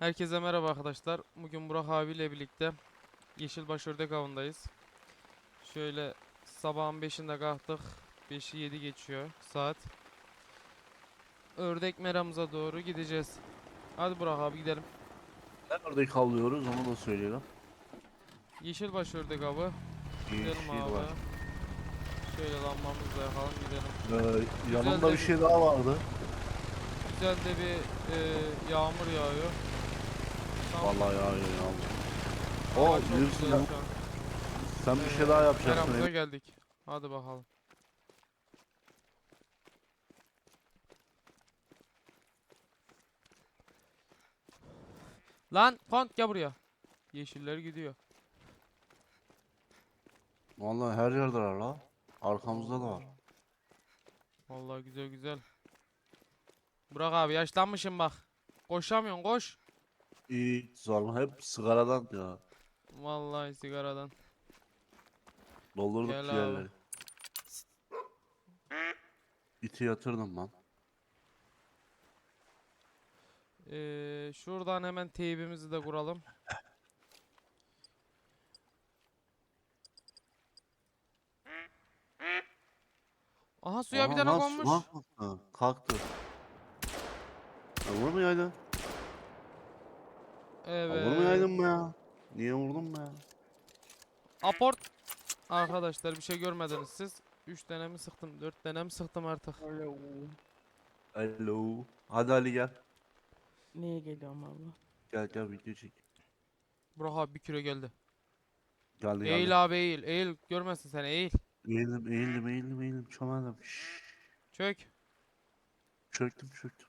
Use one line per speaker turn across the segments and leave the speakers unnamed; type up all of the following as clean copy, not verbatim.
Herkese merhaba arkadaşlar. Bugün Burak abiyle birlikte Yeşilbaş Ördek Avı'ndayız. Şöyle sabahın 5'inde kalktık. 5'i 7 geçiyor saat. Ördek meramıza doğru gideceğiz. Hadi Burak abi gidelim.
Nerede kalıyoruz onu da söyleyelim.
Yeşilbaş Ördek Avı. Gidelim
Yeşil
abi.
var.
Şöyle lambamızla yakalım gidelim. Güzel
Yanımda
de
bir şey daha vardı.
güzel de bir yağmur yağıyor. Tam
Vallahi ya.
hava
O
çok
bilirsin
güzel
ya.
şu an.
Sen bir şey daha yapacaksın.
Meramıza geldik. Hadi bakalım. Lan Kont gel buraya. Yeşiller gidiyor.
Vallahi her yerde var la. Arkamızda da var.
Vallahi güzel güzel. Burak abi yaşlanmışım bak. Koşamıyorsun koş.
İyi sorma hep sigaradan ya.
Vallahi sigaradan.
Doldurduk
Gel abi.
ciğerleri. İti yatırdım ben.
Şuradan hemen teybimizi de kuralım. Aha suya bir
Aha
tane
lan
konmuş.
kalktı. Kalktı. Ya vurmayaydın. Ya
Evet.
vurmayaydın mı ya? Niye vurdun mu ya?
Aport. Arkadaşlar bir şey görmediniz siz. 3 tane mi sıktım? 4 tane mi sıktım artık?
Alo.
Hello. Hadi Ali gel.
Neye geliyorum abla?
Gel video çek.
Burak abi bir kilo geldi.
Geldi.
Eğil abi eğil. Eğil. Görmezsin sen eğil.
Eğildim. Çömeldim. Şşş.
Çök.
Çöktüm.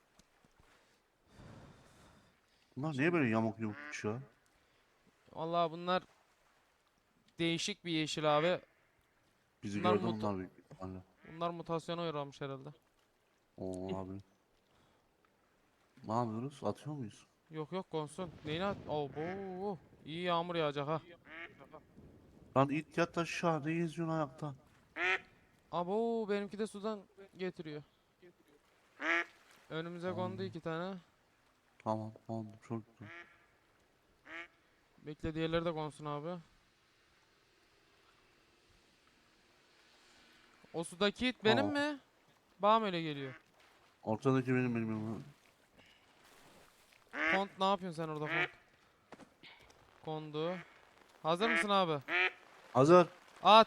Bunlar niye böyle yamuk yumuk uçuyor?
Vallahi bunlar değişik bir yeşil abi.
Bizi
Bunlar
gördü
mut
bunlar büyük ihtimalle.
bunlar mutasyona uğramış herhalde.
Oo abi. Ne yapıyoruz? Atıyor muyuz?
Yok yok konsun. Neyine at? Oh, bu. İyi yağmur yağacak ha.
Lan it yat aşağı. Ne geziyorsun ayakta?
Abo benimki de sudan getiriyor. Önümüze kondu
Aa,
2 tane.
tamam oldu çok güzel.
Bekle diğerleri de konsun abi. O sudaki it benim
Tamam.
mi? Bana mı öyle geliyor?
Ortadaki benim.
Kont ne yapıyorsun sen orada kont? Kondu. Hazır mısın abi?
Hazır.
At.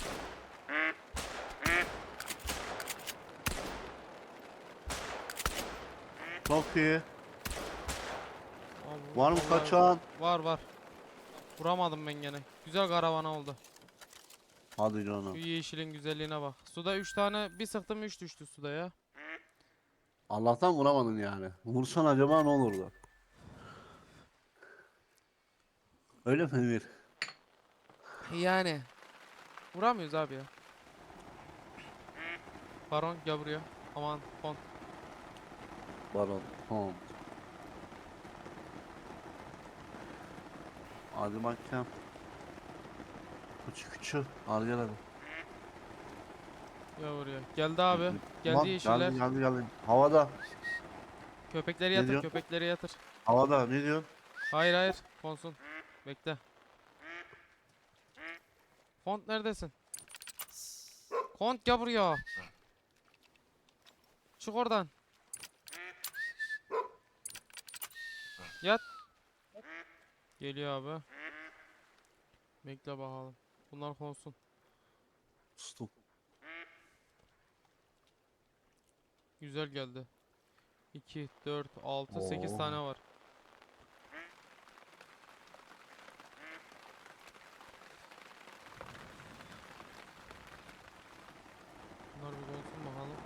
Çok iyi.
Abo,
Var mı
vallahi
kaçan?
var. Vuramadım ben gene. Güzel karavana oldu.
Hadi
Şu
canım.
yeşilin güzelliğine bak. Suda 3 tane bir sıktım 3 düştü suda ya.
Allah'tan vuramadın yani. Vursan acaba ne olurdu? Öyle mi Emir?
Yani vuramıyoruz abi ya. Baron gel buraya. Aman kont.
Baron. Tamam. Hadi bakayım. Küçük. Al gel hadi.
Gel buraya. Geldi abi. Geldi
Lan
yeşiller.
geldi. Havada.
Köpekleri
Ne
yatır,
diyor?
köpekleri yatır.
Havada ne diyor?
Hayır. Konsun. Bekle. Kont neredesin? Kont gel buraya. Çık oradan. Yat. Geliyor abi. Bekle bakalım. Bunlar konsun.
Stop.
Güzel geldi. 2, 4, 6, 8
Oo.
tane var. Bunlar bir konsun bakalım.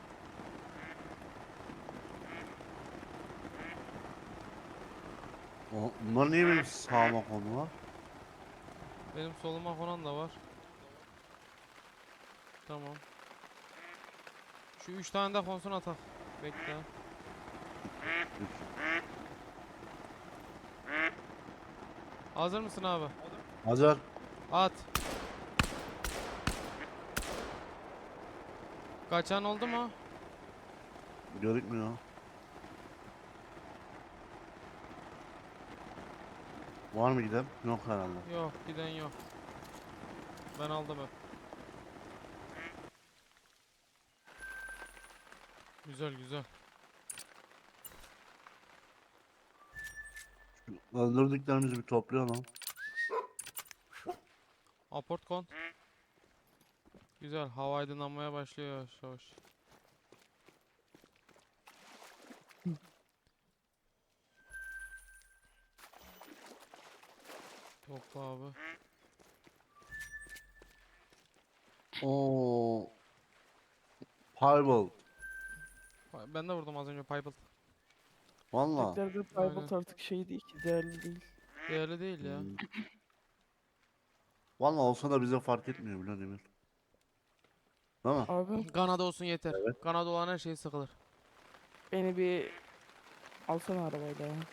Bunlar niye benim sağıma konular?
Benim soluma konan da var. Tamam. Şu 3 tane de konsun atak. Bekle. Hazır mısın abi?
Hazır.
At. Kaçan oldu mu?
Görükmüyor. Var mı giden? Yok herhalde.
Yok, giden yok. Ben aldım hep. Güzel güzel.
Şu öldürdüklerimizi bir toplayalım.
Aport kon. Güzel. Hava aydınlanmaya başlıyor yavaş yavaş. Topla abi.
Oo. Firebolt.
Ben de vurdum az önce Piebald.
Valla.
Teklerde
Aynen.
Piebald artık şey değil ki, değerli değil.
Değerli değil ya.
Hmm. Valla olsa da bize fark etmiyor bile Demir. Değil mi?
Abi
Kanada olsun yeter.
Evet.
Kanada olan her şey sıkılır.
beni bir alsana arabayla ya.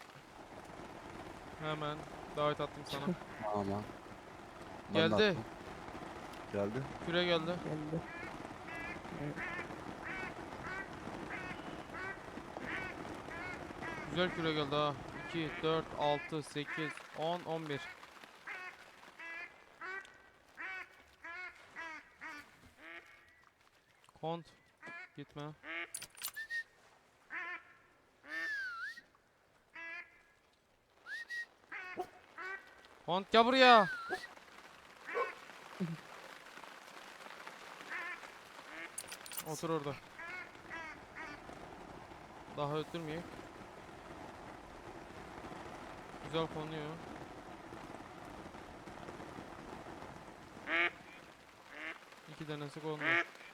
Hemen davet attım sana.
Aman. Ben de
Geldi.
attım. Geldi.
Küre geldi.
Geldi. Evet.
Güzel küre geldi ha. 2, 4, 6, 8, 10, 11. Kont. Gitme. Kont gel buraya. Otur orada. Daha öttürmeyeyim. Güzel konuyor. İki tanesi kondu.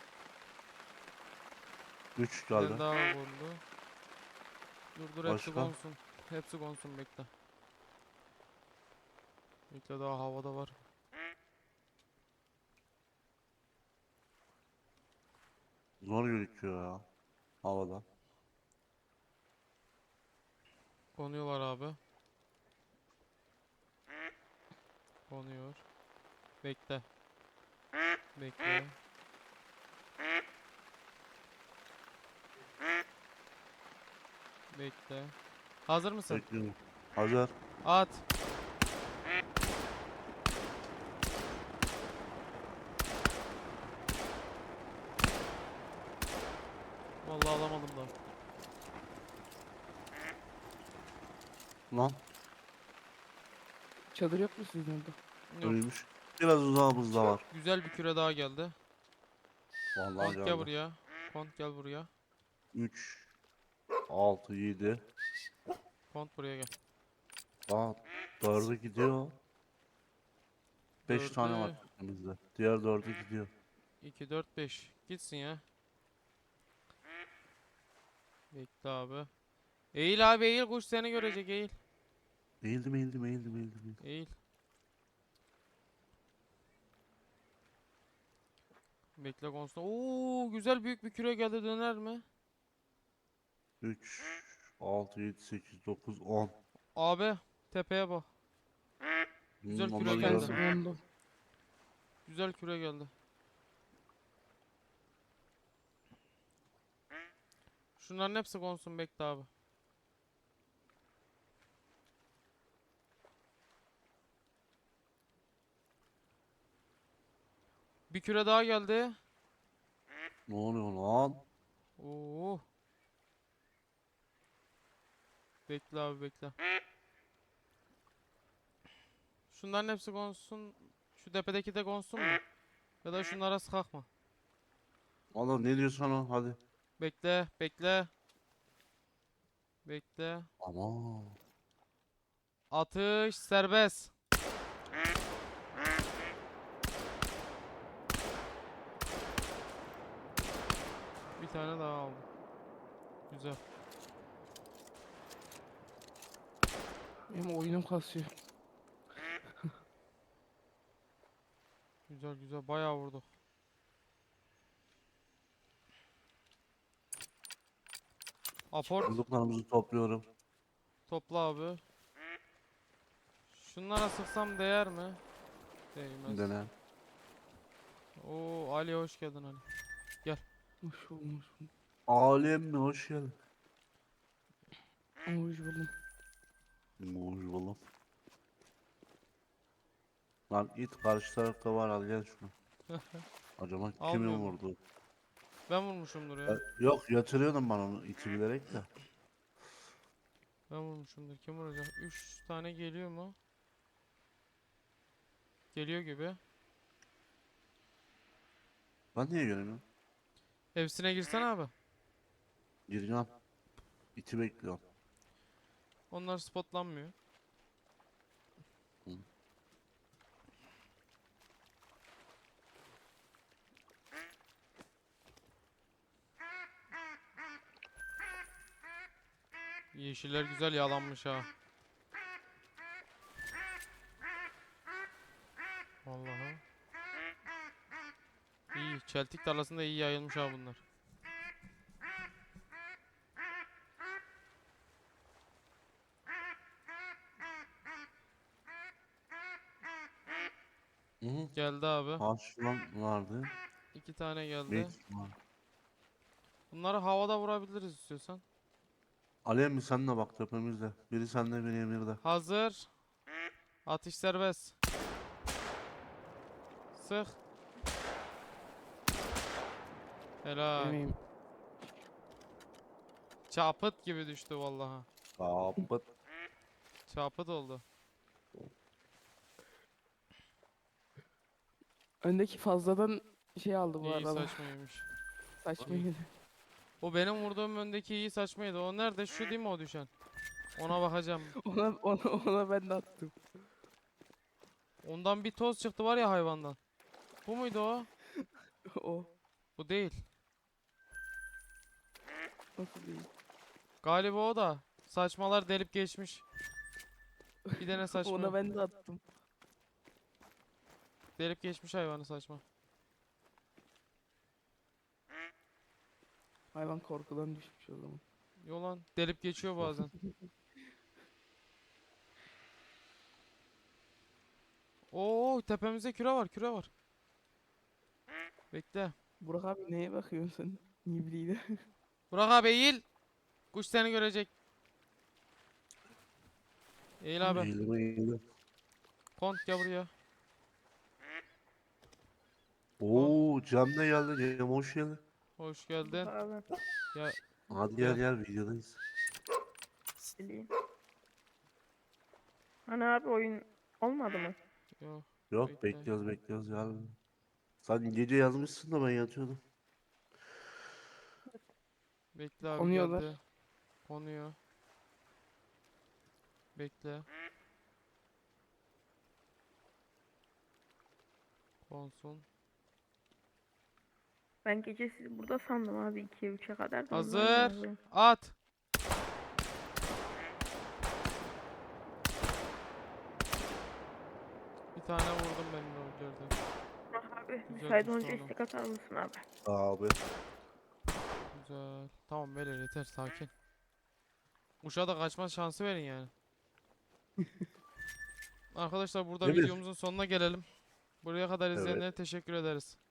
3
Bir tane
geldi.
daha kondu. Dur hepsi
Başka?
konsun. Hepsi konsun bekle. Bekle daha havada var.
Zor gözüküyor ya. Havada.
Konuyorlar abi. Konuyor. Bekle. Bekle. Bekle. Hazır mısın?
Bekliyorum. Hazır.
At. Vallahi alamadım da.
Lan.
Çadır yok mu sizin orada?
Yok.
Ölmüş. Biraz uzağımızda var.
Güzel bir küre daha geldi.
Vallahi
Kont gel
geldi.
buraya. Kont gel buraya.
3, 6, 7.
Kont buraya gel.
Aa, 4'e gidiyor. 5 tane var
Dördü.
elimizde. Diğer 4'e gidiyor.
2, 4, 5. Gitsin ya. Bekle abi. Eğil abi eğil. Kuş seni görecek eğil.
Eğildim, eğildim, eğildim, eğildim, eğildim.
Eğil. Bekle konusunda. Oo güzel büyük bir küre geldi döner mi?
3, 6, 7, 8, 9, 10.
Abi tepeye bak. Güzel küre
Onları
Bir
geldi.
tanesi
gördüm.
kondu.
Güzel küre geldi. Şunların hepsi konsun bekle abi. Bir küre daha geldi.
Ne oluyor lan?
Oo. Bekle abi bekle. Şunların hepsi konsun. Şu tepedeki de konsun mu? Ya da şunlara sıkak mı?
Oğlum ne diyorsun o? Hadi.
Bekle, bekle. Bekle.
Ama
Atış serbest. Bir tane daha aldım. Güzel.
Benim oyunum kasıyor.
Güzel güzel bayağı vurduk. Aport
bulduklarımızı topluyorum.
topla abi. Şunlara sıksam değer mi? Değmez.
Dene.
Oo Ali hoş geldin Ali.
Hoş buldum, hoş buldum.
Alem mi? Hoş geldin.
Hoş buldum.
Hoş buldum. Lan it karşı tarafta var, al gel şunu. Acaba kimin
Almıyor mu?
vurdu?
Ben vurmuşumdur ya.
Yok, yatırıyordum ben onu iti bilerek de.
Ben vurmuşumdur. Kim vuracak? 3 tane geliyor mu? Geliyor gibi.
Ben niye göremiyorum?
Hepsine girsen abi.
Gireceğim. İti bekliyorum.
Onlar spotlanmıyor.
Hı.
Yeşiller güzel yalanmış ha. Vallahi. İyi. Çeltik tarlasında iyi yayılmış ha bunlar.
Hı hı.
Geldi abi.
Karşıdan vardı.
2 tane geldi.
Büyük ihtimal.
Bunları havada vurabiliriz istiyorsan.
Alev mi sen de bak tepemizde. Biri sende biri emirde.
Hazır. Atış serbest. Sık. Helal.
Benim
Çapıt gibi düştü vallahi.
Kapıt.
Çapıt oldu.
öndeki fazladan şey aldı bu
İyi
arada.
saçmaymış.
Saçma
İyi.
yedi.
O benim vurduğum öndeki iyi saçmaydı. O nerede? Şu değil mi o düşen? Ona bakacağım.
Ona ben de attım.
Ondan bir toz çıktı var ya hayvandan. Bu muydu o?
O
Bu değil.
nasıl değil?
Galiba o da. Saçmalar delip geçmiş. Bir tane saçma.
Ona ben de attım.
Delip geçmiş hayvanı saçma.
Hayvan korkudan düşmüş o zaman.
Yolan delip geçiyor bazen. Oo tepemizde küre var, küre var. Bekle.
Burak abi neye bakıyorsun sen? Nibliyle.
Burak abi eğil. Kuş seni görecek. Eğil abi.
Eğilme eğilme.
Kont gel buraya.
Oo Cem de geldi. Cem hoş geldin.
Hoş geldin.
Abi
Ya
Hadi
Gel.
gel videodayız.
sileyim. Hani abi oyun olmadı mı?
yok.
Yok
Bekle.
bekliyoruz gel. Sen gece yazmışsın da ben yatıyordum.
Bekle abi
Konuyorlar.
geldi. Konuyor. Bekle. Konsun.
Ben gece sizi burada sandım abi 2'ye 3'e kadar da ondan
Hazır.
yazıyorum.
At. Bir tane vurdum ben de o yerden.
Burak abi
Güzel
müsait
düştü
olunca
oğlum.
istek atar mısın abi?
Abi.
Güzel. Tamam beyler yeter sakin. Uşağa da kaçma şansı verin yani. Arkadaşlar burada
Emir.
videomuzun sonuna gelelim. Buraya kadar
Evet.
izleyenlere teşekkür ederiz.